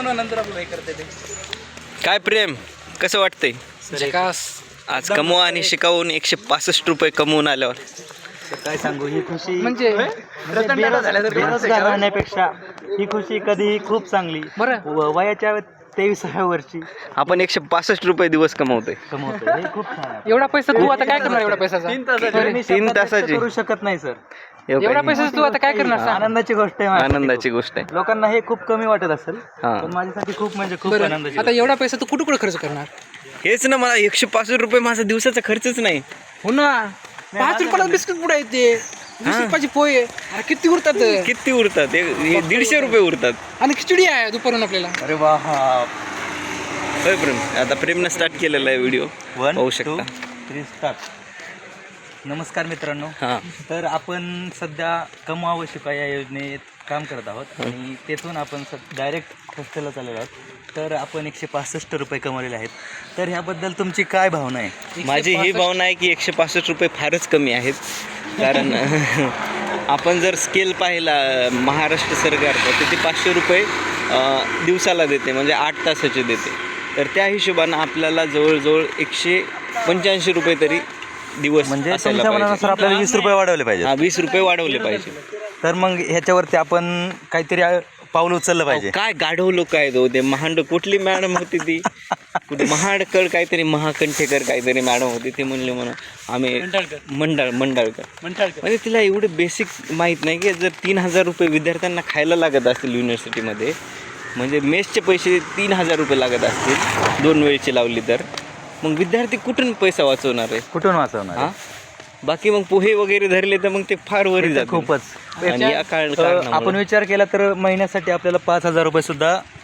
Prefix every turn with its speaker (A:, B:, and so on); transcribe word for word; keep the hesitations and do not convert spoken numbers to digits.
A: कमवल्यानंतर आपलं हे करते ते.
B: काय प्रेम कसं वाटतंय आज कमवा आणि शिकावून एकशे पासष्ट रुपये कमवून आल्यावर?
C: काय सांगू, ही खुशी
A: म्हणजे
C: बेरोजगार राहण्यापेक्षा ही खुशी कधी खूप चांगली. व- वयाच्या तेविसाव्या वर्षी
B: आपण एकशे पासष्ट रुपये दिवस कमवतोय.
C: कमवतो हे खूप छान आहे.
A: एवढा पैसा तू आता काय करणार? एवढा पैशाचा
C: मी
B: तीन
C: शब्दात व्यक्त
B: तासाची
C: करू शकत नाही सर.
A: एवढा पैसा तू आता काय करणार सांग?
C: आनंदाची गोष्ट आहे माझ्यासाठी
B: आनंदाची
C: खूप.
B: गोष्ट आहे.
C: लोकांना हे खूप कमी वाटत असेल,
B: हा.
C: पण माझ्यासाठी खूप म्हणजे खूप
A: बरं,
C: आनंदाची
A: आता एवढा पैसा तू कुठे कुठे खर्च करणार?
B: हेच ना, मला एकशे पासष्ट रुपये माझा दिवसाचा खर्चच नाही.
A: हो ना, पाच रुपयाला बिस्किट पुढे येते, वीस रुपयाची पोहे, अरे किती उरतात
B: किती उरतात? हे- हे दीडशे रुपये उरतात.
A: आणि खिचडी आहे दुपारून आपल्याला.
C: अरे वा.
B: होय प्रेम, आता प्रेमनं स्टार्ट केलेला आहे व्हिडिओ,
C: वन
B: पाहू
C: टू
B: शकता.
C: Three start. नमस्कार मित्रांनो.
B: हां,
C: तर आपण सध्या कमवा व शिका या योजनेत काम करत आहोत आणि तेथून आपण डायरेक्ट हॉस्टेलला चाललेलो आहोत. तर आपण एकशे पासष्ट रुपये कमवलेले आहेत. तर ह्याबद्दल तुमची काय भावना आहे?
B: माझी ही भावना आहे की एकशे पासष्ट रुपये फारच कमी आहेत. कारण आपण जर स्केल पाहिला महाराष्ट्र सरकारचा, तर ते पाचशे रुपये अं, दिवसाला देते, म्हणजे आठ तासाचे देते. तर त्या हिशोबानं आपल्याला जवळजवळ एकशे पंच्याऐंशी रुपये तरी दिवस
C: म्हणजे
B: असायला
C: तुमच्या
B: पाहिजे.
C: मनानुसार आपल्याला वीस रुपये वाढवले पाहिजे.
B: हा, वीस रुपये वाढवले पाहिजे.
C: तर मग ह्याच्यावरती आपण काहीतरी पाऊल उचललं पाहिजे.
B: काय गाढव लोक आहेत हो ते. महांड कुठली मॅडम होती ती, कुठे महाडकर काहीतरी, महाकंठेकर काहीतरी मॅडम होती. ते म्हणले म्हणून आम्ही मंडळ मंडळकर म्हणजे तिला एवढे बेसिक माहीत नाही की जर तीन हजार रुपये विद्यार्थ्यांना खायला लागत असतील युनिव्हर्सिटीमध्ये, म्हणजे मेसचे पैसे तीन हजार रुपये लागत असतील दोन वेळची लावली, तर मग विद्यार्थी कुठून पैसा वाचवणार आहे?
C: कुठून वाचवणार?
B: हां, बाकी मग पोहे वगैरे धरले तर मग ते फार वरी जातात
C: खूपच.
B: आणि या काळ
C: अ,
B: कारणामुळे-
C: आपण विचार केला तर महिन्यासाठी आपल्याला पाच हजार रुपये सुद्धा